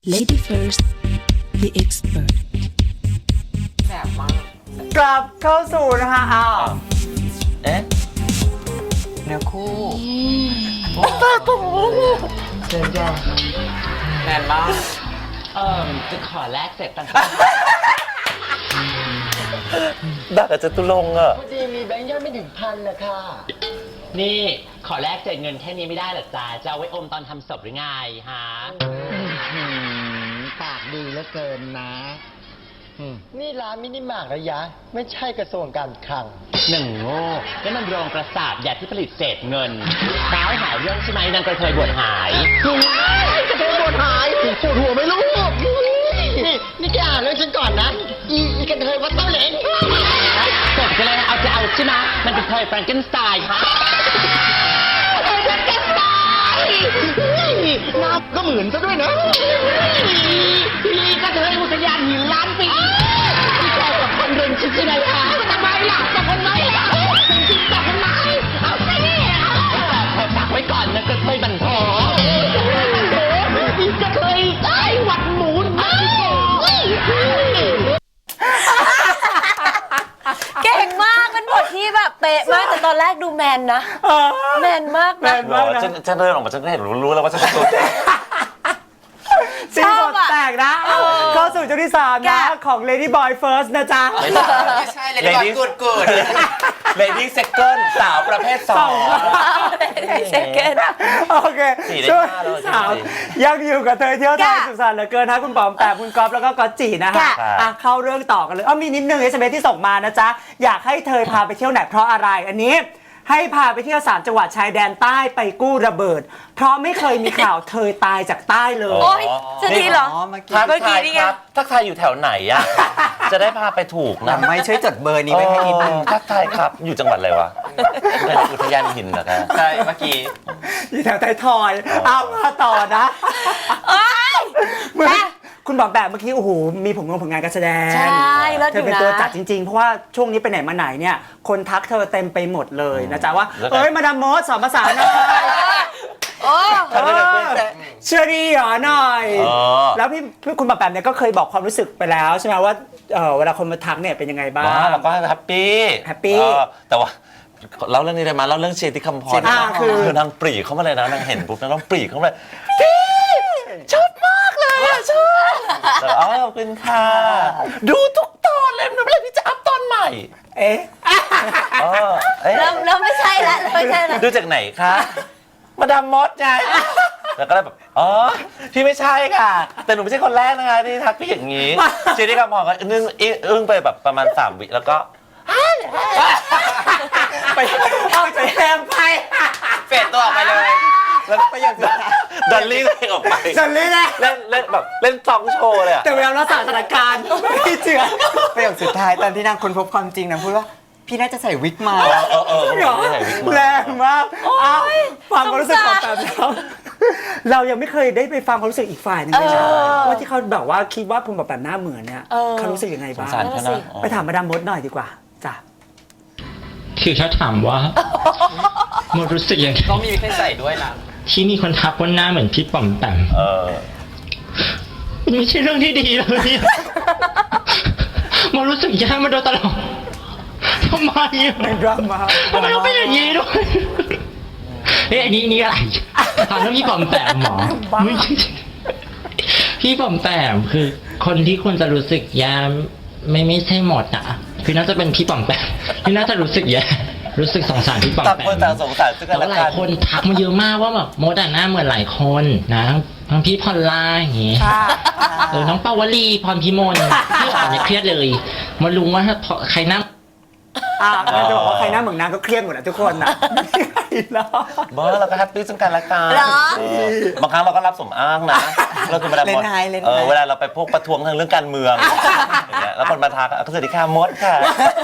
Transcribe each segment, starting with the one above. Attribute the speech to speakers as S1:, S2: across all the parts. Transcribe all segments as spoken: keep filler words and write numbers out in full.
S1: Lady First the Expert
S2: แสบมาก
S3: กลับเข้าสู่นะคะอ้าว
S4: เอ๊ะ
S2: เนื้อคู่
S3: เชิญจ้า
S2: แน่นมาก
S4: เอ่อจะขอแลกเสร็จตังค์ดักอาจจะตุลงอ่ะ
S5: พอดีมีแบงค์ย่อยไม่ถึงพันนะคะ
S4: นี่ขอแลกเศษเงินแค่นี้ไม่ได้หรอจ๊ะจะเอาไว้อมตอนทำศพหรือไงฮะ
S5: ปากดีเหลือเกินนะ นี่ร้านมินิมาร์ทระยะ ไม่ใช่กระทรวงการคลัง
S4: หนึ่งโง่นี่มันโรงกระสาบยาที่ผลิตเศษเงินสาวหาเรื่องใช่ไหมนางกระเทยบวชหาย
S5: กระเทยบวชหายปวดหัวไหม่รู้นี่นี่แกอ่านเรื่องฉันก่อนนะ อีอีกระเทยวัดเต้าเหลง
S4: จบกันเลยเอาจะเอาใช่ไหมมันเป็นเทยแฟรงเกนสไตน์ค่ะ
S5: หน้าก็เหมือนซะด้วยนะ
S4: พี่กระเทยอุทยานหินล้านปีพี่ชอบกับคนเริงชิดใช่ไหมคะทำไมล่ะกับคนน้อยล่ะเป็นชิดกับคนน้อยเอาสิขอฝากไว้ก่อนนะกระเทยบันทอพี่กระเทยใต้หวัดหมูนะ
S6: เก่งมากเป็นบทที่แบบเป๊ะมากแต่ตอนแรกดูแมนนะแมนมาก
S3: แม
S6: นะ
S3: นมากนะ
S4: ฉันฉันเดินออกมาฉันก็เห็นรู้แล้วว่าฉันเป็นตัวแทน
S3: ซีนบทแตกนะเข้าสู่ช่วงที่สามนะของ Lady Boy First นะจ๊ะ
S2: ไม่ใช่เลยก่อนกูดกูด
S4: เลดี้เซคันด์สาวประเภทสอง
S6: เซเกน
S3: โอเค
S4: สี่ได้
S3: ช่วง
S4: ห้าแล้ว
S3: สามยังอยู่กับเธอเที่ยวไทย
S6: ค่ะ
S3: สุขสันต์เหลือเกินนะคุณปอมแปมคุณก๊อฟแล้วก็ก๊อตจีนะฮะ
S6: ค่ะ
S3: อ่ะเข้าเรื่องต่อกันเลยอ้อมีนิดนึง เอส เอ็ม เอส ที่ส่งมานะจ๊ะ อยากให้เธอพาไปเที่ยวไหนเพราะอะไรอันนี้ ให้พาไปเที่ยวสามจังหวัดชายแดนใต้ไปกู้ระเบิด เพราะไม่เคยมีข่าวเธอตายจากใต้เลย
S6: โอ๊ยจะดีเหรอ
S2: อ๋อเมื่อกี้
S4: ทัก
S6: เมื่อกี้
S4: ทาย
S6: นี่
S4: ค
S6: ไง
S4: รับทักทายอยู่แถวไหนอ่ะ จะได้พาไปถูกนะ
S2: ไม่ช่วยจดเบอร์นี้ไว้ให้นิดนึง
S4: เออทักทายครับอยู่จังหวัดอะไรวะเป็นอุทยานหินเหรอครับ
S2: ใช่เมื่อกี้
S3: อยู่แถวไทยทอยเอามาต่อนะ
S6: โอ๊ย
S3: เมื่อคุณบอกแบบเมื่อกี้โอ้โหมีผลงานผลงานการแสดง
S6: ใช่เลิศ
S3: เธ
S6: อ
S3: อยู่ เป็น
S6: นะ
S3: ตัวจัดจริงๆ เพราะว่าช่วงนี้ไปไหนมาไหนเนี่ยคนทักเธอเต็มไปหมดเลยนะจ๊ะว่าเอ้ยมาดามมดสอนภาษาหน่อย
S6: โอ้
S4: ทำได้เลยเพื่อน
S3: เชื่อดีเหรอหน่อย
S4: เออ
S3: แล้วพี่พี่คุณบอกแบบเนี่ยก็เคยบอกความรู้สึกไปแล้วใช่ไหมว่าเออเวลาคนมาทักเนี่ยเป็นยังไงบ้าง
S4: ว้าเราก็แฮปปี้
S3: แฮปปี้
S4: เออแต่ว่าเล่าเรื่องนี้ได้ไหมเล่าเรื่องเชติคำพร
S3: อ่าคือ
S4: คือนางปรีเข้ามาเลยนะนางเห็นปุ๊บนางปรีเข้ามาเลยชอบมากเลยอะชอบแต่อ๋อขอบคุณค่ะดูทุกตอนเลยมันเป็นอะไรที่จะอัพตอนใหม่
S3: เอ๊ะ
S4: เออเอ๊ะ
S6: เริ่มเริ่มไม่ใช่ละเริ่มไม่ใช่ละ
S4: ดูจากไหนคะมาดามมดไงแล้วก็เลยแบบอ๋อพี่ไม่ใช่ค่ะ แต่หนูไม่ใช่คนแรกนะคะที่ทักพี่อย่างนี้เชติคำพรก็อึ้งอึ้งไปแบบประมาณสามวิแล้วก็
S3: ไปเอาใจแรงไป
S2: เฟดตัวออกไปเลย
S4: แล้วประโยคสุดท้ายดันลี่ตัวเองออกไป
S3: สันเลยนะ
S4: เล่นเล่นแบบเล่นซองโชว์เลยอะ
S3: แต่เวลาเราสถานการณ์ไม่เจือ
S2: ประโยคสุดท้ายตอนที่นางค้นพบความจริงนางพูดว่า พี่น่าจะใส่วิกมา
S4: เออเออเออ
S3: เหรอ
S4: ไม่ใส่วิกมา
S3: แรงมากอ้าวฟังความรู้สึกของแบบเราเรายังไม่เคยได้ไปฟังความรู้สึกอีกฝ่ายหนึงเลยนะว่าที่เขาแบบว่าคิดว่าคุณแบบแบบหน้าเหมือนเนี่ยเขารู้สึกยังไง
S4: สง
S3: บ้าง
S4: สารเขานะ
S3: ไปถามมาดามมดหน่อยดีกว่าจ้ะ
S7: คือถ้าถามว่าโมรู้สึกยังไง
S2: ต้องมีวิกให้ใส่ด้วยนะ
S7: ที่มีคนทักว่าหน้าเหมือนพี่ป๋อมแปม
S4: เออ
S7: มันไม่ใช่เรื่องที่ดีเลยเนี่ยโมรู้สึกแย่มาโดยตลอดทำไมอะ
S3: เป็นดราม่า
S7: ทำไมต้องเป็นอย่างนี้ด้วยเฮ้ยอันนี้นี่อะไรถามเรื่องพี่ป๋อมแปมหมอไม่ใช่พี่ป๋อมแปมคือคนที่ควรจะรู้สึกแย่ไม่ไม่ใช่หมดอ่ะคือน่าจะเป็นพี่ป๋อมแปมที่น่าจะรู้สึกแย่รู้สึกสงสารพี่ป๋อม
S4: ต่าง
S7: แป
S4: คน
S7: ม
S4: ต่างสงสารซึ่งกั
S7: แต่
S4: นและ
S7: ว่าหลา
S4: กั
S7: ย
S4: น
S7: คนทักมาเยอะมากว่าแบบมดอะหน้าเหมือนหลายคนนะทั้งทั้งพี่พอลล่าอย่างงี้เออน้องปาวลีพรพิมลพี่อ่อนเนี่ยเครียดเลยมารู้ว่าถ้าใครหน้า
S3: อ่าเราจะบอกว่าใครหน้าเหมือนนางก็เครียดหมดนะทุกคนนะไม่มีใครหรอก
S4: เบอร์เราก็แฮปปี้ซึ่งกันและกัน
S6: เหรอ
S4: เออบางครั้งเราก็รับสมอ้างนะเราคือมาดามมด
S2: เล่นไฮเล่นไฮ
S4: เออเวลาเราไปพวกประท้วงทางเรื่องการเมืองอย่างเงี้ยแล้วคนมาทักก็สวัสดีค่ะมดค่ะ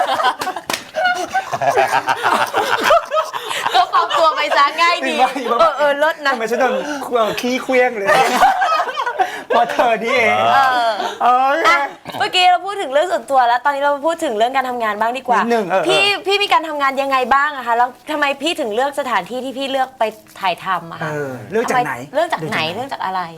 S6: ก็ปรับตัวไปซะง่ายดี
S3: ไม่ไม่
S6: เออเออลดนะ
S3: ทำไมฉันโดนเอ่อขี้เคลี้ยงเลยเพราะเธอนี่เอง
S6: เออ
S3: เออ
S6: อ่ะเมื่อกี้เราพูดถึงเรื่องส่วนตัวแล้ว ตอนนี้เรามาพูดถึงเรื่องการทำงานบ้างดีกว่า
S3: นิดนึงเออ
S6: พี่พี่มีการทำงานยังไงบ้างอะคะแล้วทำไมพี่ถึงเลือกสถานที่ที่พี่เลือกไปถ่ายทำอะ
S3: เอ
S6: คะ
S3: อเรื่องจากไหน
S6: ทำมเรื่องจากไหนเรื่องจากอะไร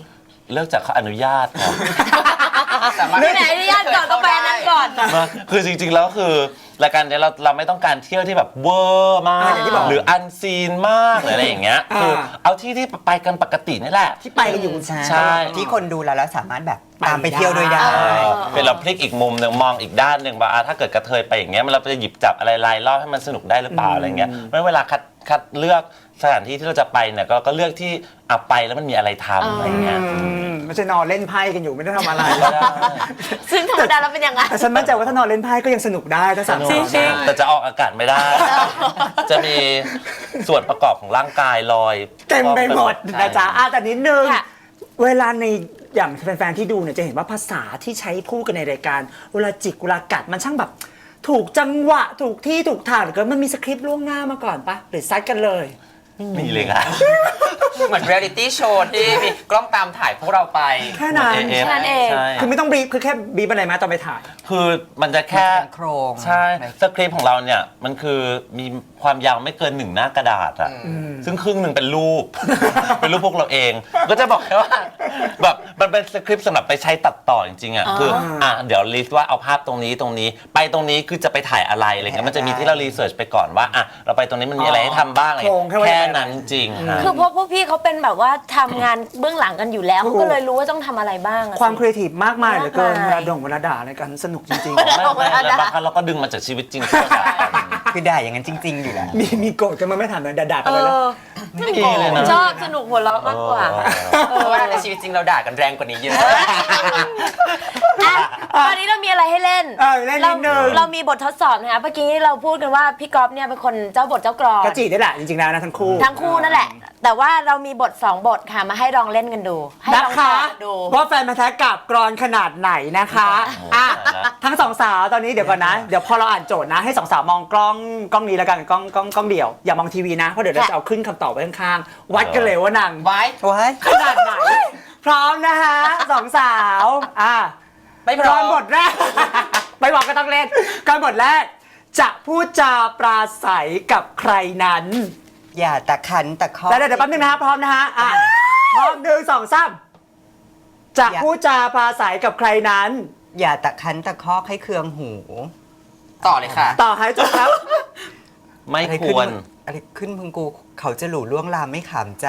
S8: เลิกจากเขาอนุญาตครับ
S6: ไม่ไหนอนุญาตก่อนก็ไปอันนั้นก่อน
S8: มาคือจริงๆแล้วคือรายการเนี้ยเราเราไม่ต้องการเที่ยวที่แบบเวอร์มาก
S3: อ่าอย่างที่บอก
S8: หรืออันซีนมากหรืออะไรอย่างเงี้ย
S3: อ่า
S8: คือเอาที่ที่ไปกันปกตินี่แหละ
S3: ที่ไปกันอยู่
S2: ใช่
S8: ใช่
S2: ที่คนดูแล้วแล้วสามารถแบบตามไปเที่ยวด้วยได้
S8: เป็นเราพลิกอีกมุมหนึ่งมองอีกด้านหนึ่งว่าอ่ะถ้าเกิดกระเทยไปอย่างเงี้ยมันเราจะหยิบจับอะไรรายรอบให้มันสนุกได้หรือเปล่าอะไรเงี้ยไม่เวลาคัดคัดเลือกสถานที่ที่เราจะไปเนี่ยก็ก็เลือกที่อ่ะไปแล้วมันมีอะไรทำอะไรเงี้ย
S3: อืมไม่ใช่นอนเล่นไพ่กันอยู่ไม่ได้ทำอะไร
S8: ไม่ได้
S6: ซึ่งธรรมดาเราเป็นยังไง
S3: แต่ฉันมั่นใจว่าถ้านอนเล่นไพ่ก็ยังสนุกได้ถ้าสาม
S8: สนุก
S3: สาว
S8: แต่จะออกอากาศไม่ได้ จะมีส่วนประกอบของร่างกายลอย
S3: เต็มไปหมดนะจ๊ะอ่ะแต่นิดนึง
S6: ค่ะ
S3: เวลาในอย่างแฟนๆที่ดูเนี่ยจะเห็นว่าภาษาที่ใช้พูดกันในรายการ เวลาจิกเวลากัดมันช่างแบบ ถูกจังหวะถูกที่ถูกทางหรือก็มันมีสคริปต์ล่วงหน้ามาก่อนปะหรือซัดกันเลย
S8: มีเลยค่ะ
S9: เหมือนเรียลิตี้โชว์ที่มีกล้องตามถ่ายพวกเราไป
S3: แค่นั้น
S8: เอเอฟ
S6: แค่นั้นเอง
S8: ใช่
S3: คือไม่ต้องบีบคือแค่บีบอะไรมาตอนไปถ่าย
S8: คือมันจะแค่
S2: มันจะเป็นโครง
S8: ใช่สคริปต์ของเราเนี่ยมันคือมีความยาวไม่เกินหนึ่งหน้ากระดาษอะซึ่งครึ่งหนึ่งเป็นรูป เป็นรูปพวกเราเอง ก็จะบอกแค่ว่าแบบมันเป็นสคริปต์สำหรับไปใช้ตัดต่อจริงๆอะคืออ่ะเดี๋ยวลิสต์ว่าเอาภาพตรงนี้ตรงนี้ ไปตรงนี้คือจะไปถ่ายอะไรอะไรเงี้ยมันจะมีที่เรารีเสิร์ชไปก่อนว่าอ่ะเราไปตรงนี้มันมีอะไรให้ทำบ้างอะไร
S3: โครงแค่ว่า
S8: แค่นั้นจริงฮะ
S6: คือพวกพวกพี่เขาเป็นแบบว่าทำงานเบื้องหลังกันอยู่แล้วเขาก็เลยรู้ว่าต้องทำอะไรบ้างอะ
S3: ความ
S6: สิ
S3: ครีเอทีฟมากมายเหลือเกิน
S6: มากมาย
S3: เวลาด่งเวลาด่าอะไรกันสนุกจริง
S8: ไม่ไม่แล้วบางครั้งเราก็ดึงมาจากชีวิตจริงที่เราด่ากัน
S2: คือด่าอย่างนั้นจริง ๆ อยู่แล้ว
S3: ๆ มีมีโกรธกันมาไม่ถามเลยด่าๆกันเลยแล้ว
S8: ไม่มีเลยนะ
S6: ชอบสนุกหัวเราะมากกว่า
S9: เพราะว่าในชีวิตจริงเราด่ากันแรงกว่านี้เยอะ
S6: อ่ะตอนนี้เรามีอะไรให้เล่น
S3: เออเล่นนิดนึง
S6: เรามีบททดสอบนะคะเมื่อกี้เราพูดกันว่าพี่ก๊อฟเนี่ยเป็นคนเจ้าบทเจ้ากรอน
S3: กระจีได้แหละจริงๆแล้วนะทั้งคู่
S6: ทั้งคู่นั่นแหละ แต่ว่าเรามีบทสองบทค่ะมาให้ลองเล่นกันดู ให้ล
S3: นะ
S6: อง
S3: คะ
S6: ต่อกันดู
S3: ว่าแฟนมาแท้กับกรอนขนาดไหนนะคะอ่ะทั้งสองสาวตอนนี้เดี๋ยวก่อนนะ เดี๋ยวพอเราอ่านโจทย์นะ ให้สองสาวมองกล้องกล้องนี้แล้วกันกล้องกล้องกล้องเดี่ยวอย่ามองทีวีนะเพราะเดี๋ยวเราจะเอาขึ้นคำตอบไว้ข้างๆวัดกันเลยว่านาง
S9: ไว้
S2: ว้าย
S3: ขนาดไหน พร้อมนะคะสองสาวอ่ะ
S9: ไม่พ
S3: ก
S9: ร้
S3: ร
S9: อ
S3: อน
S9: ม
S3: บทแรก ไม่บอกก็ต้องเล่นกรอนบทแรก จะพูดจาปราศัยกับใครนั้น
S2: อย่าตะคันตะคอ
S3: แล้วเดี๋ยวเดี๋ยวแป๊บนึงนะครับพร้อมนะฮะอ่ะพร้อมหนึ่งสองสามจะพูดจาปราศัยกับใครนั้น
S2: อย่าตะคันตะคอกให้เคืองหู
S9: ต่อเลยค่ะ
S3: ต่อให้จบครับ
S8: ไม่
S2: อะไร
S8: ค
S2: ขึ้น
S8: วร
S2: อะไรขึ้นพึงกูเขาจะหลู่ล่วงลามไม่ขามใจ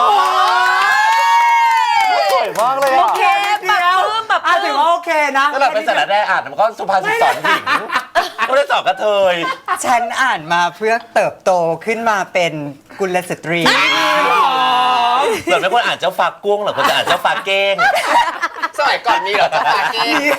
S8: สวยมากเลย
S6: โอ
S8: อ่ะ
S6: เคปรับปรื้มปรับป
S3: อ่ะ
S6: รื้
S3: ถือ
S6: ม
S3: ว่าโอเคนะ
S8: ถ้าเราเป็นสารแน่อ่านมันก็สุภาษิตสอนหญิงไม่ได้สอนกระเทย
S2: ฉันอ่านมาเพื่อเติบโตขึ้นมาเป็นกุลสตรี
S8: ส่วนไม่ควรอ่านเจ้าฟ้ากุ้งหรอกควรจะอ่านเจ้าฟ้าเก้ง
S9: สมัยก่อนมีเหรอเจ้าปาเก้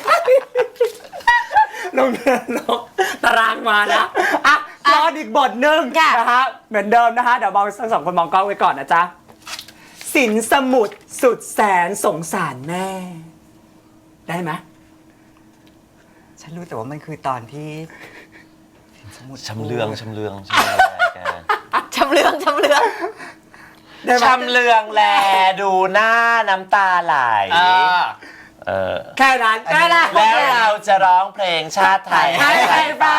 S3: ลงเดินลงตารางมานะอ่ะรออีกบทหนึ่ง
S6: ค่ะ
S3: นะฮะเหมือนเดิมนะคะเดี๋ยวมองทั้งสองคนมองกล้องไว้ก่อนนะจ๊ะสินสมุทรสุดแสนสงสารแม่ ได้ไหม
S2: ฉันรู้แต่ว่ามันคือตอนที่
S8: ชำเลืองชำเลืองชำเลืองอะไรแก
S6: ชำเลืองชำเลือง
S3: ได้ไหม
S8: ชำเลืองแลดูหน้าน้ำตาไหล
S9: อ่า
S8: เออ
S3: แค่นั้นแค่นั้น
S8: แล้วเราจะร้องเพลงชาติไทย
S3: ให้ใครฟัง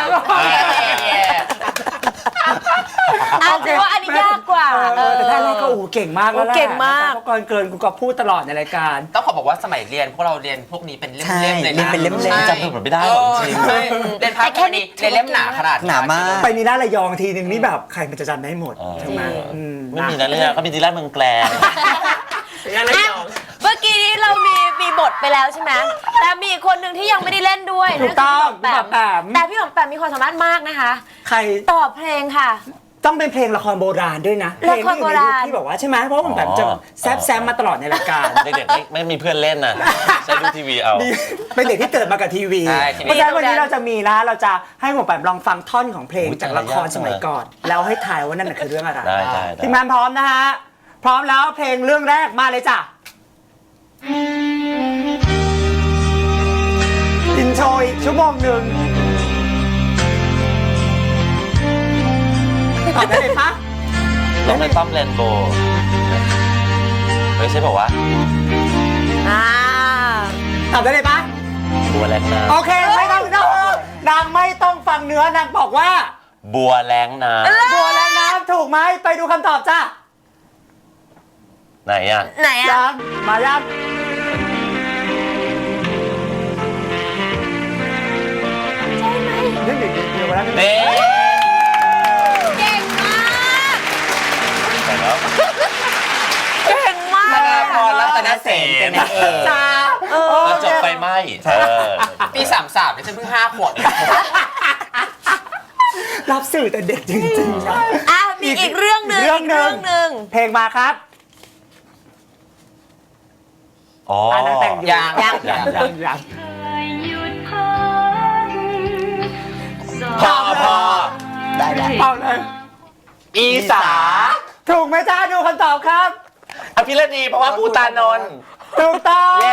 S6: อ่ะถือว่าอันนี้ยากกว่า
S3: เออแต่ท่านแรกก็โอ้โหเก่งมากแล้วแหละ
S6: โอ้เก่งมาก
S3: เพราะก่อนเกินกูก็พูดตลอดในรายการ
S9: ต้องขอบอกว่าสมัยเรียนพวกเราเรียนพวกนี้เป็นเล่ม
S2: ใช่
S9: ๆเลย
S2: เรียน
S9: นะ
S2: เป็นเล่มๆ
S9: ใช่
S8: จำเป็นไม่ได้หรอกจริง
S9: ใช่เรียนภาคแค่นี้เรียนเล่มหนาขนาด
S2: หนามาก
S3: ไปนีน่าระยองทีนึงนี่แบบใครมันจะจำได้หมด
S8: อ๋อ
S3: ใช่ไหมอืม
S8: ไม่มีนะเนี่ยเขามีดีแลนด์เมืองแกลง
S6: อ่ะเมื่อกี้นี้เรามีมีบทไปแล้วใช่ไหมแต่มีอีกคนหนึ่งที่ยังไม่ได้เล่นด้วย
S3: ถูกต้อง
S6: นั่นคื
S3: พี่
S6: พี่
S3: แป
S6: แป
S3: ม
S6: มแต่พี่หอมแปมมีความสามารถมากนะคะ
S3: ใคร
S6: ตอบเพลงค่ะ
S3: ต้องเป็นเพลงละครโบราณด้วยนะ
S6: ละครโบราณ
S3: เพลงที่อยู่ในยุคที่บอกว่าใช่ไหมเพราะว่าผมแบบจะแซบแซมมาตลอดในรายการ
S8: เด็กๆไม่ไม่มีเพื่อนเล่นน่ะใช้ดูทีวีเอา
S3: นี่เป็นเด็กที่เกิดมากับทีวี
S9: ใช่ทีวี
S3: เพราะฉะนั้นวันนี้เราจะมีนะเราจะให้ผมแบบลองฟังท่อนของเพลง
S8: อุ๊ย
S3: จากละครสมัยก่อน แล้วให้ทายว่านั่นน่ะคือเรื่องอะไร
S8: ได้ได้ได้
S3: ทีมงานพร้อมนะฮะพร้อมแล้วเพลงเรื่องแรกมาเลยจ้ะอินโทรอีกชั่วโมงหนึ่งตอบได้เลยปะ
S8: ร้องในต้อมแลนโบไม่ใช่บอกว่า
S6: อ่า
S3: ตอบได้เลยปะ
S8: บัวแรงน้
S3: โอเคไม่ต้องนนางไม่ต้องฟังเนื้อนางบอกว่า
S8: ำบัวแรงน้
S3: บัวและน้ำถูกไหมไปดูคำตอบจ้ะ
S8: ำไหนอ่ะ
S6: ไหนอ่ะ
S3: ยังมายัง
S8: นี่
S6: เก่งมาก
S8: แต่แล้ว
S6: เก่งมาก
S9: ธนาพรรัตนเสนเป็นนางเอก
S3: จ้า
S8: ตอนจบไฟไหม้เออ
S9: ปีสามสามเนี่ยฉันเพิ่งห้าขวบเอง
S3: รับสื่อแต่เด็กจริงๆนะ
S6: อ่ะมีอีกเรื่องหนึ่ง
S3: เรื่องหนึ่ง
S6: กหนึ่ง
S3: เพลงมาครับ
S8: อ๋อ
S3: อ่านักแต่งอยู่
S9: ยัง
S6: ยัง
S3: ยังยังยัง
S8: พอพอ
S2: ได้แล้ว
S3: เอาเลย
S8: อีสา
S3: ถูกไหมจ้าดูคำตอบครับ
S8: อภิรดีเพราะว่าภูตานนท์
S3: ถูกต้อง
S8: เย้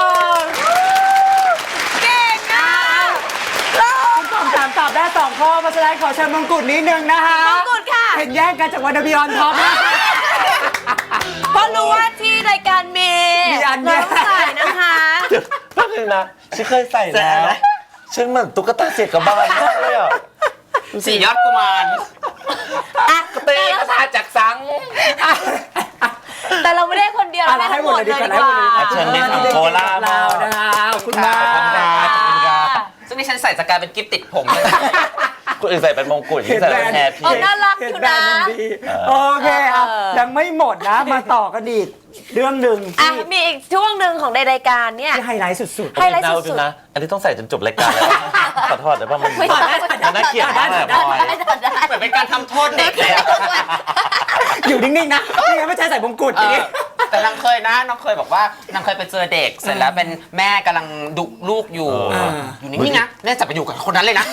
S6: เก่งอ่ะ
S3: คุณตอบสามตอบได้สองข้อเพราะฉะนั้นขอเชิญมงกุฎนิดนึงนะคะ
S6: มงกุฎค่ะ
S3: เห็นแย่งกันจากวันเดบิออนท็อปนะ
S6: เพราะรู้ว่าที่รายการมี
S3: มีอันเนี้
S6: เรา
S3: ย
S6: ต้องใส่นะคะ
S8: แป๊บนึงนะฉันเคยใส่แล้วฉันเหมือนตุ๊กตาเสียกระบาลมากเลยอ่ะ
S9: สี่ยอดกุมาร
S6: อ่ะ
S8: เตะกระทาจากสัง
S6: แต่เราไม่ได้คนเดียว
S3: อ่ะ
S6: เรา
S3: เราให้
S6: ให้
S3: ห
S6: ห
S3: ม
S6: ม
S3: ด
S6: ด
S3: เล
S6: เลย ย
S3: ดี
S6: ดี
S3: ก
S6: ก
S3: ว่า
S6: ว่า
S3: ให้หมดเลย
S8: เชิญในสังโคราช
S3: เรานะคะขอบคุณมาก
S8: ขอบคุณครับขอบคุณครับ
S9: ซึ่งนี่ฉันใส่จะกลายเป็นกิฟต์ติดผมเลย
S8: คนอื่นใส่เป็นมงกุฎยิ่งใส่เป็นแฮร์
S6: เอ
S8: พี่
S6: อน่ารักอยู่นะ
S3: เห็แบรด์มัดีโอเคอ่ะ
S6: เออ
S3: ยังไม่หมดนะ มาต่อกันอีกเรื่องหนึ่ง
S6: อ่ะ
S3: ที่
S6: มีอีกช่วงหนึ่งของในรายการเนี่ย
S3: ที่ไฮไลท์สุด
S6: ไฮไลท์
S8: เดา
S6: สุ
S8: ดู
S6: ด
S8: นะ อันนี้ต้องใส่จนจบรายการแล้วขอโทษแต่ว่ามัน
S6: ไม่ต้อง
S8: มันน่าเกลียดมากเลยบอย
S9: เหมือนเป็นการทำโทษเด็กเลยอะ
S3: ๆ อยู่นิ่งๆนะไม่งั้นไม่ใช่ใส่มงกุฎ
S9: เอ
S3: อย่าง
S9: อ
S3: นี้
S9: แต่นางเคยนะนางเคยบอกว่านางเคยไปเจอเด็ก เสร็จแล้วเป็นแม่กำลังดุลูกอยู่
S3: อ่า
S9: อยู่นิ่งๆนะแม่จับไปอยู่กับคนนั้นเลยนะ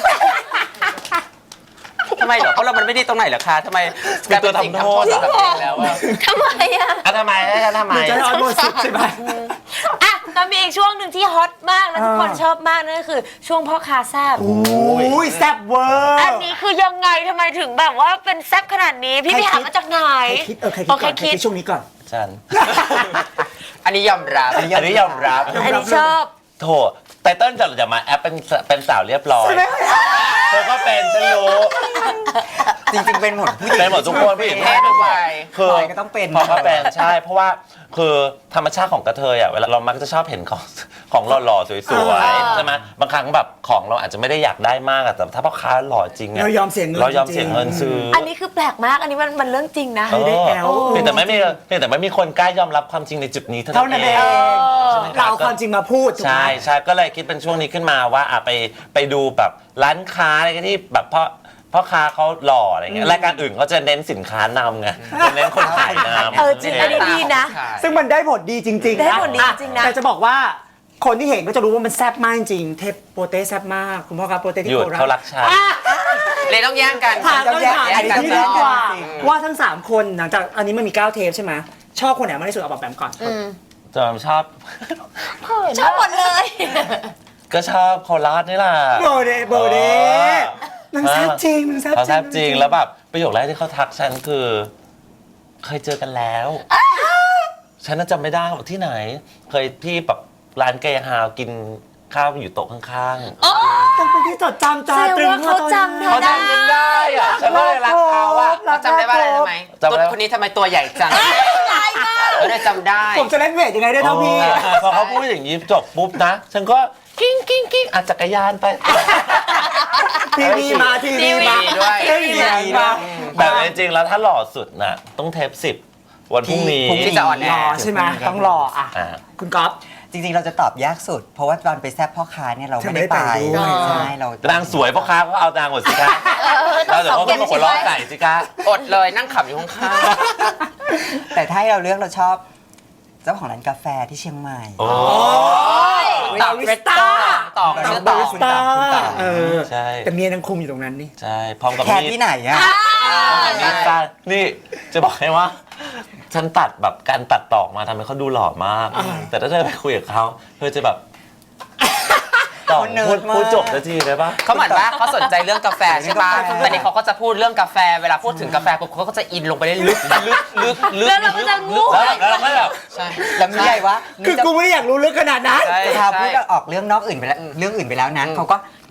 S9: ทำไมเหรอเพราะเรามันไม่ดีตรงไหนเหรอคะทำไมกลายเป็นสิ่งทำโทษกับเด็กแล้วอะ
S6: ทำไมอ่ะ
S8: อ่ะทำไมอ่ะทำไม
S3: มันจะได้ออนโบสิบใช่ไหม
S6: อ่ะก็มีอีกช่วงหนึ่งที่ฮอตมากและทุกคน
S3: อ่า
S6: ชอบมากนั่นก็คือช่วงพ่อค้าแซ่บ
S3: โอ้ยแซ่บเวอร์
S6: อันนี้คือยังไงทำไมถึงแบบว่าเป็นแซ่บขนาดนี้ พี่
S3: ใคร
S6: ไปหา
S3: คิด
S6: มาจากไหน
S3: ใครคิดเออใครคิดก่อน
S6: ใคร
S3: ใคร
S6: คิ
S3: คิ
S6: ด
S3: ดช่วงนี้ก่อน
S8: ฉัน
S9: อันนี้ยอมรับ
S8: อันนี้ยอมรับ
S6: อันนี้ชอบ
S8: โถไตเติ้ลจะจะมาแอปเป็นเป็นสาวเรียบร้อยเธอก็เป็นฉันรู้
S2: จริงๆเป็นหมดผู้หญิง
S8: เป็นหมดทุกคนผู้หญิง
S9: เพศทุกวัย
S8: คือ
S2: พลอยก็ต้องเป็น
S8: พอก็เป็นใช่ เพราะว่าคือธรรมชาติของกระเทยอ่ะเวลาเรามักจะชอบเห็นของของหล่อๆสวย
S6: อ่า
S8: ๆใช่ไหมบางครั้งแบบของเราอาจจะไม่ได้อยากได้มากอะแต่ถ้าพ่อค้าหล่อจริงอะ
S3: เรายอมเสียเงิน
S8: เรายอม
S3: จริงๆ
S8: เสียเงินซื้อ
S6: อั
S8: อั
S6: นนี้คือแปลกมาก อันนี้มันมันเรื่องจริงนะ
S8: เออ
S3: ได้แอล
S8: เพียงแต่ไม่มีเพียงแต่ไม่มีคนกล้ายอมรับความจริงในจุดนี้เท่า
S3: เท่า
S8: นั้
S3: นั้น น
S8: เอ
S3: เอง
S8: ใช่ไหม
S3: เรา
S8: บ
S3: เอาความจริงมาพูดถูกไหม
S8: ใช่ใช่ก็เลยคิดเป็นช่วงนี้ขึ้นมาว่าอ่ะไปไปดูแบบร้านค้าอะไรที่แบบพ่อพ่อค้าเขาหล่ออะไรเงี้ยรายการอื่นเขาจะเน้นสินค้านำไงจะเน้นคนขายนำ
S6: เออจริงอันนี้ดีนะ
S3: ซึ่งมันได้ผลดีจริงๆ
S6: ได้ผลดีจริงๆนะ
S3: แต่จะบอกว่าคนที่เห็นก็จะรู้ว่ามันแซ่บมากจริง เทปโปเต้แซ่บมาก คุณพ่อครับโปเต้ที่
S8: หยุด
S3: โคราช
S8: เขารักชาติ
S9: เลยต้องแย่งกัน
S3: ถาม
S2: ต้
S3: ต้
S2: อ
S3: อง ง
S2: แยก
S3: ถาม
S2: อันนี้
S3: ที่ดีกว่า
S2: จริง
S3: ว่าทั้งสามคนหลังจากอันนี้มันมีเก้าเทปใช่ไหมชอบคนไหนมากที่สุดเอาแบบแบมก่อน
S8: จอมชอบ
S6: ชอบหมดเลย
S8: ก็ชอบโคราชนี่แหละ
S3: โบเดโบเด
S8: ออ
S3: นางแซ่บจริงนางแซ่บ
S8: เขา
S3: จริง
S8: แซ่บจริงแล้วแบบประโยคแรกที่เขาทักฉันคือ เคยเจอกันแล้ว ฉันน่าจำไม่ได้ว่าที่ไหน เคยที่แบบร้านไก่ฮาวกินข้าวอยู่โต๊ะข้าง
S3: ต้องเป็นที่จดจำ
S6: แส
S3: ตา
S6: ดง
S3: ตรึง
S6: ว่าเขาจำเธ
S8: ๆเขา
S6: อได้
S8: จำกันได้อะฉันก็เลยรักเขาอะ
S9: เราจำได้ว่าอะไรรู้ไหม
S8: จำได้
S9: ตุ๊ดคนนี้ทำไมตัวใหญ่จัง
S6: ตายมาก
S9: เราได้จำได้
S3: ผมจะเล่นเวทยังไงได้เท่าพี่
S8: พอเขาพูดอย่างนี้จบปุ๊บนะ ฉันก็กิ้งกิ้งกิ้งอ่ะจักรยานไป
S3: ทีวีมาทีวีมา
S9: ด้วย
S3: ทีวีมา
S8: แต่จริงๆแล้วถ้าหล่อสุดน่ะ ต้องเทปสิบวันพรุ่งนี้
S9: พรุ่งนี้จะออนแอ
S3: รอ
S9: ร์
S3: ใช่ไหมต้องรออ่ะ
S8: อ่า
S3: คุณก๊อฟ
S2: จริงๆ เราจะตอบยากสุด เพราะว่าตอนไปแซบพ่อค้าเนี่ยเราไม่ได้ไป
S3: เธอไม่ได้ไปด้วย
S2: ใช่เรา
S8: นางสวยพ่อค้าก็เอานางหมดสิคะเราเดี๋ยวเขาก็มาหัวเราะใส่สิคะ
S9: อดเลยนั่งขำอยู่ข้าง
S2: แต่ถ้าให้เราเลือกเราชอบเจ้าของร้านกาแฟที่เชียงใหม่
S8: โอ้
S9: ๆต่อเวสต้าต่อชื่อต่อ
S2: คุณต่อคุณต่อ
S3: เออ
S8: ใช่
S3: แต่เมียนางคุมอยู่ตรงนั้นนี่
S8: ใช่พร้อมกับ
S2: แคร์
S8: มีด
S2: ที่ไหนอะ
S8: มีดสั้นนี่จะบอกให้ว่า ฉันตัดแบบการตัดต่อมาทำให้เขาดูหล่อมาก แต่ถ้าเธอไปคุยกับเขาเธอจะแบบต่อพูดพูดจบนาทีได้ปะ
S9: เขาเหมือนว่าเขาสนใจเรื่องกาแฟใช่ป่ะ
S2: ใช่
S9: แต่นี่เขาก็จะพูดเรื่องกาแฟ เวลาพูดถึงกาแฟปุ๊บเขาก็จะอินลงไปได้ลึกลึกลึกลึก
S6: แล้วเราก็จะงู
S8: แล้วแล้วเราก็แบบ
S9: ใช่
S2: แล้วมีอะไรวะ
S3: คือกูไม่ได้อยากรู้ลึกขนาดนั้น
S9: ใช่
S2: จะพาพูด
S9: ใช่
S2: ออกเรื่องนอกอื่นไปแล้วเรื่องอื่นไปแล้วนะเขาก็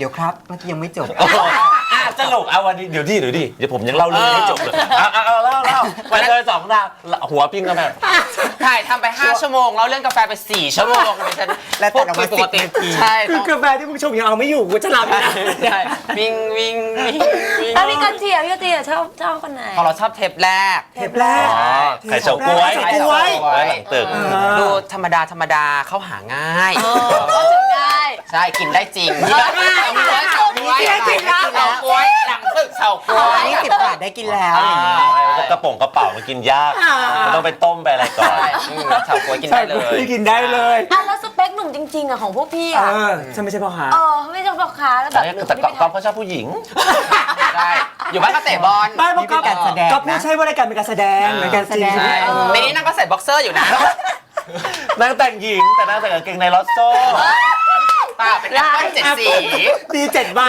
S2: เดี๋ยวครับเมื่อกี้ยังไม่จบ
S8: โอ้โหอ่ะสรุปเอาวันนี้เดี๋ยวดิเดี๋ยวดิเดี๋ยวผมยังเล่าเรื่องนี้ไม่จบเลยเอาเอาเอาเล่าเล่าวันเธอสองดาวหัวปิ้งกันแบบ
S9: ถ่ายทำไปห้าชั่วโมงแล้วเรื่องกาแฟไปสี่ชั่วโมงดิฉัน
S2: และตัดออกมา
S9: ปกติ
S2: สิบนาที
S9: ใช่
S3: คื
S9: ต้
S3: อ
S9: อง
S3: กาแฟที่มึงชมยังเอาไม่อยู่กูจะหลับอยู่นะ
S9: ใช่วิ่งวิ่งวิ่งวิ่ง
S6: แล้วพี่กันเจียพี่กันเจียชอบชอบคนไหน
S9: ของเราชอบเทปแรก
S3: เทปแรก
S8: อ๋อไข่เฉาก๊วย
S3: ไข่เฉาก๊วย
S8: ไว้หลังตึก
S9: ดูธรรมดาธรรมดาเข้าหาง่าย
S6: ก็ถึงได้
S9: ใช่กินได้จริง
S6: เออได้
S9: เฉาก๊วยเฉาก๊วยเฉาก๊วยหลังตึกเฉาก๊วย
S2: อันนี้สิบบาทได้กินแล้วอย่างนี้
S8: กระป๋องกระเป๋ามันกินยากมันต้องไปต้มไปอะไรก่อน
S9: ใช่อืมเฉาก๊วยกินได้เลย
S3: ที่กินได้เลย
S6: อ่ะแล้วสเปคหนุ่มจริงๆอะของพวกพี่
S3: เอ
S6: อะ
S3: อฉันไม่ใช่พ่อค้า
S6: เออไม่ใช่พ่อค้าแล้วแบบ
S8: แต่ก๊อฟก็ชอบผู้หญิง
S9: ใช่อยู่บ้านก็เตะบอล
S3: ไม่เพราะก็
S2: นี่เป็นการแสดงนะ
S3: ก็ไม่ใช่ว่ารายการเป็นการแสดงรายการจริง
S9: ใช่ในนี้นั่งก็ใส่บ็อกเซอร์อยู่นะ
S8: นางแต่งหญิงแต่นางแต่งกางเกงในลอสโซ่
S9: ป้าเป็นแอปเปิ้ลเจ็ดสี
S3: ดีเจ็ดวัน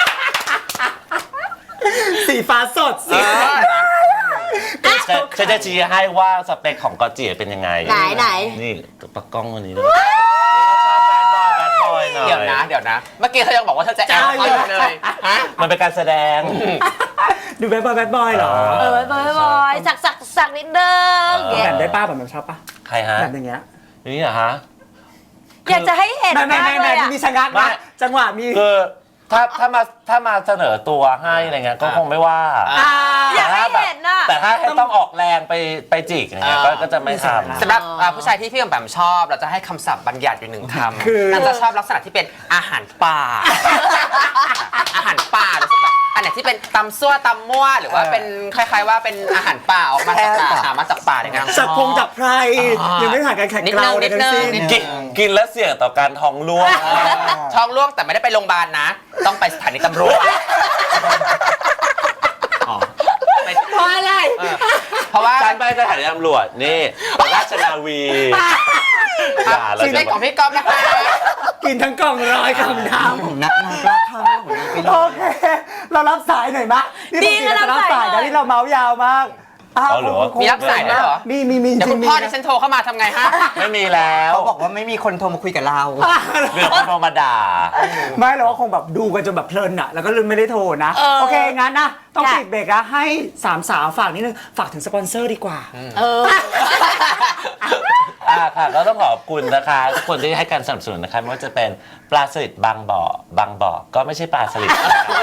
S3: สีฟ้าสดสี
S8: จะจะจะชี้ให้ว่าสเปคของกอจิเป็นยังไง
S6: ไหนไหน
S8: นี่ปักกล้องวันนี้ด้วยชอบแบดบอยแบดบอยหน่อย
S9: เดี๋ยวนะเดี๋ยวนะ เมื่อกี้เธอยังบอกว่าเธอจะแอปเขาอยู่เลยฮะ
S8: มันเป็นการแสดง
S3: ดูแบดบอยแบดบอยเหรอ
S6: เออบอยบอยสักสักสักนิดเดิม
S8: เออ
S3: แบบได้ป้าแบบแบบชอบป้า
S8: ใครฮะ
S3: แบบอย่างเงี้ย
S8: นี่เหรอฮะ
S6: อยากจะให้เห็น
S3: ไม่ไม่
S6: มาก
S3: ไม่
S6: เล
S3: ไม่
S6: ยอะ
S3: มีชะงัก
S8: ไม่
S3: นะจังหวะมี
S8: คือถ้าถ้ามาถ้ามาเสนอตัวให้อะไรเงี้ยก็คงไม่ว่า
S3: อ่า
S6: อยากให้เห็นน่ะ
S8: แต่ถ้าให้ต้องออกแรงไปไปจิกอย่างเงี้ยก็ก็จะไม่ทำ
S9: สำหรับอ่าผู้ชายที่พี่แบมชอบเราจะให้คำศัพท์บัญญัติอยู่หนึ่งคำ
S3: คือ
S9: นางจะชอบลักษณะที่เป็นอาหารป่า อาหารป่ารู้สึกแบบอันไหนที่เป็นตำซั่วตำมั่วหรือว่าเป็นคล้ายๆว่าเป็นอาหารป่าออกมาจากป่าหามาจากป่าเนี่ยนางช
S3: จั
S9: อ
S3: ก
S9: บ
S3: พงจากไพรยังไม่ผ่านการแข่ง
S9: นิด
S3: เก
S9: นึ
S3: ลาง ในทั้งสิ้น
S9: นิดนึง
S8: กินกินแล้วเสี่ยงต่อการท้องร่วง
S9: ท้องร่วงแต่ไม่ได้ไปโรงพยาบาลนะ ต้องไปสถานีตำรวจไป
S3: เพราะอะไร
S9: เออเพราะว่า
S8: ฉันไปสถานีตำรวจนี่ราชนาวีอย่าเรา
S9: ชีวิ
S8: จะ
S9: ตของพี่ก๊อฟนะคะ
S3: กินทั้งกล่องร้อยคำน้
S2: ของนักนากล้าข้ามของนางไป
S3: ำ
S2: เล
S3: โอย เค เรารับสายหน่อยมะนี่
S6: ดี
S3: ปกติเราจะรับ
S6: นะรับ
S3: สา
S6: สาย ย
S3: นะที่เราเมาส์ยาวมากอ้าว
S8: เอาเหรอ
S3: คง
S9: มีรับสายด้วยเหรอ
S3: มีมีมีจ
S9: เดี๋ยว
S3: ริ
S9: คุ
S3: ง
S9: ณ
S3: มี
S9: พ่อดิฉันโทรเข้ามาทำไงฮะ
S8: ไม่มีแล้ว
S2: เขาบอกว่าไม่มีคนโทรมาคุยกับเรา
S8: เรื่องคนโทรมาด่า
S3: ไม่หรอกว่าคงแบบดูกันจนแบบเพลินอะแล้วก็ลืมไม่ได้โทรนะ
S6: เออ
S3: โอเคงั้นนะต้อง
S6: ค่ะ
S3: ปิดเบรกแล้วให้สามสาวฝากนิดนึงฝากถึงสปอนเซอร์ดีกว่า
S6: เออ
S8: อ่าค่ะก็ต้องขอบคุณนะคะทุกคนที่ให้การสนับสนุนนะคะไม่ว่าจะเป็นปลาสลิดบางบ่อบางบ่อก็ไม่ใช่ปลาสลิด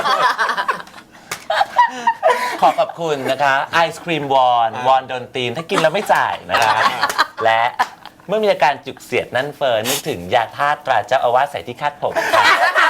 S8: ขอขอบคุณนะคะไอศครีมวอนวอนโดนตีนถ้ากินแล้วไม่จ่ายนะคะและเมื่อมีอาการจุกเสียดนั่นเฟิร์นนึกถึงยาธาตุตราเจ้าอาวาสใส่ที่คาดผมค่ะ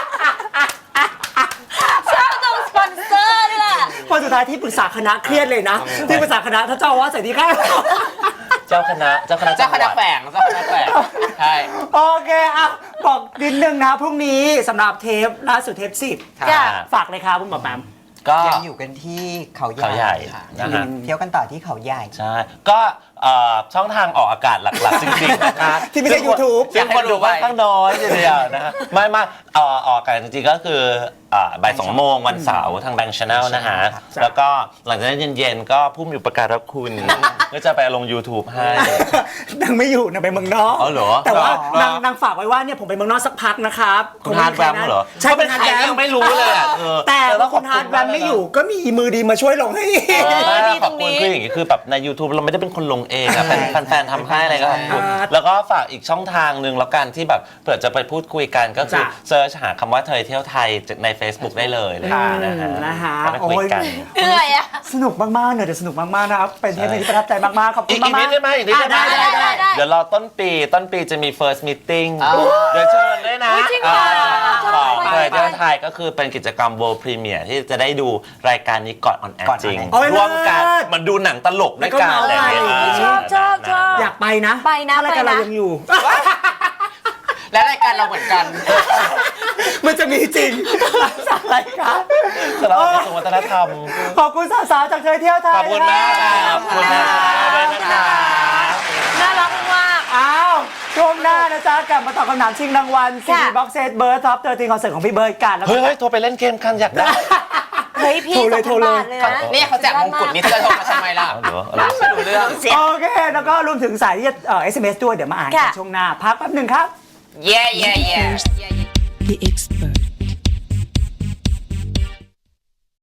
S6: ชอบตรงสปอนเซอร์นี่แหละ
S3: คนสุดท้ายที่ปรึกษาคณะเครียดเลยนะ ที่ปรึกษาคณะถ้าเจ้าอาว่าสใส่ที่ข้าง
S8: เจ้าคณะเจ้าคณะ
S9: เจ้าคณะ
S8: จังหวัด
S9: แฝงเจ้าคณะแฝงใช่
S3: โอเคอ่ะบอกนิดนึงนะพรุ่งนี้สำหรับเทปล่าสุดเทปสิบ
S6: จ้ะ
S3: ฝากเลยครับคุณหมอแปม
S8: ก็
S2: ยังอยู่กันที่เขาใหญ่
S8: เขาใหญ่นะฮะ
S2: เที่ยวกันต่อที่เขาใหญ่
S8: ใช่ ก็เอ่อช่องทางออกอากาศหลักๆ จริงๆนะคะ
S3: ที่ไม่ใช่ YouTube
S8: ซึ่งคนดูค่อนข้างน้อยทีเดียวนะฮะไม่ไม่เอ่อออกอากาศจริงๆก็คืออ่าบ่ายสองโมงวันเสาร์ทางแบงค์ชาแนลนะฮะ
S3: จ้ะ
S8: แล้วก็หลังจากนั้นเย็นๆ ก็ผู้มีอุปการะคุณ ก็จะไปลง YouTube ให้
S3: นางไม่อยู่นางไปเมืองนอก
S8: อ๋อเหรอ
S3: แต่ว่า
S8: เหรอน
S3: างนางฝากไว้ว่าเนี่ยผมไปเมืองนอกสักพักนะครับ
S8: คุณฮาร์ดแวมเหรอ
S3: ใช่
S8: เขาเป็น
S3: คุณ
S8: ใคร
S3: ฮาร์ดแว
S8: ยั
S3: ม
S8: งไม่รู้เลยอ่ะเออ
S3: แต่
S8: ต้
S3: ว่า
S8: องข
S3: คุ
S8: อบ
S3: ณฮาร์ดแวม
S8: ก
S3: ไม่อยู่ก็มีมือดีมาช่วยลงให้
S6: เออ
S8: ไม่
S6: ดี
S8: ข
S6: ต
S8: อบ
S6: รง
S8: คุณ
S6: นี้
S8: คืออย่างนี้คือแบบใน YouTube เราไม่ได้เป็นคนลงเองอะเป็นแฟนๆทำให้อะไรก็ขอบคุณ
S3: อ่า
S8: แล้วก็ฝากอีกช่องทางหนึ่งแล้วกันที่แบบเผื่อจะไปพูดคุยกันก็คือ
S3: จ้ะ
S8: เซิร์ชหาคำว่าเธอเที่ยวไทยใน Facebook ได้เลยเลยนะฮะ
S3: นะฮะ
S8: ก็ไปคุยกัน
S3: โอ้ย
S6: เหนื่อยอะ
S3: สนุกมากๆเนี่ยเดี๋ยวสนุกมากๆนะครับเป็นเทปหนึงที่ประทับใจมากๆขอบคุ
S8: อี
S3: ณ
S8: กอีก
S3: มาก
S8: นิดได้ไหมอีกนิดได้ไหม
S3: อ่ะได้ได้
S6: ได้
S8: เดี๋ยวรอต้นปีต้นปีจะมี first meeting
S9: อ๋อ
S8: เดี๋ยวเชิญด้วยนะ
S6: อุ๊ยจริงเหรอ
S8: เอ่อ
S6: ชอบ
S8: ของ
S6: ไป
S8: เธอเที่ยว
S6: ไป
S8: ไทยก็คือเป็นกิจกรรม world premiere ที่จะได้ดูรายการนี้ก่อนออนแอร์
S2: ก่อน
S8: จริง
S2: on air
S3: โอ้ย
S8: ร่วมกัน
S3: เลิศ
S8: เหมันดูหนังตลกด้วยกัน
S3: แล้วก็
S8: อะไรอย่างเงี้ย
S3: เมาส์
S6: ชอบชอบชอบ
S3: อยากไปนะ
S6: ไปนะ
S3: ถ้ารายการ
S6: ไปนะ
S3: เรายังอยู่
S9: และรายการเราเหมือนกัน
S3: มันจะมีจริงจากรายการ
S8: สำหรับกระทรวงวัฒนธรรม
S3: ขอบคุณสาวๆจากเธอเที่ยวไทย
S8: ขอบคุณมากค่ะขอบคุณนะคะด้วยนะคะ
S6: น่ารักมาก
S3: อ้าวช่วงหน้านะจ๊ะกลับมาตอบคำถามชิงรางวัลซี
S6: ค่ะ
S3: บ็อกเซตเบิร์ดท็อปเตอร์ทีคอนเสิร์ตของพี่เบิร์ดกันแล้วก็
S8: เฮ้ยเฮ้ยโทรไปเล่นเกมกันอยากได้
S6: เฮ้ยพี่
S3: โทรเลย
S6: สองพัน
S3: โทรเลย
S6: บาทเลยนะ
S9: นี่เขาแจกมงกุฎนี่เธอโทรมาทำไมล่ะ
S8: เอาเหรอเอาเหรอ
S9: ไม่รู้เรื่อง
S3: โอเค แล้วก็รวมถึงสายที่จะเอ่อ เอส เอ็ม เอส ด้วยเดี๋ยวมาอ่านกัน
S6: ค่ะ
S3: ช่วงหน้า พักแป๊บหนึ่งครับ
S9: เย่เย่เย่
S1: The expert.